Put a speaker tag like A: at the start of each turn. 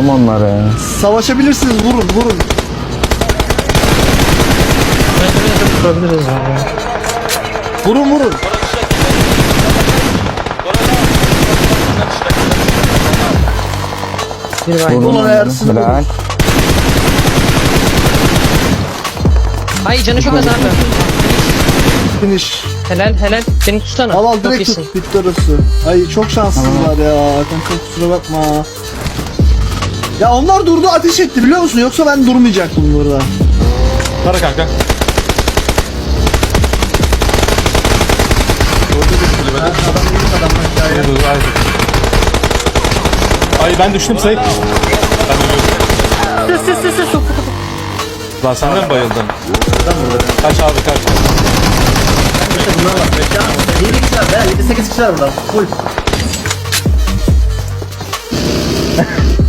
A: Vurdum onları.
B: Savaşabilirsiniz, vurun vurun.
C: Vurabiliriz abi.
B: Vurun vurun.
C: Bir var.
A: Vurdum
B: Ulan
A: onları.
B: Ersin vurun.
A: Bırak.
C: Ay canı çok az abi.
B: Finish.
C: Helal helal. Beni tutsana.
B: Al al
C: Çok
B: direkt
C: iyisin.
B: tut, bitti orası. Ay çok şanssızlar ya. Kanka kusura bakma. Ya onlar durdu, ateş etti biliyor musun? Yoksa ben durmayacaktım burada.
D: Para kanka. Ay ben düştüm Sait. Ben ölüyorum. Lan sen de mi bayıldın? Kaç abi kaç.
E: İşte bunlar var. Bekle abi. 7 kişiler be. 7-8 kişiler burada. Full.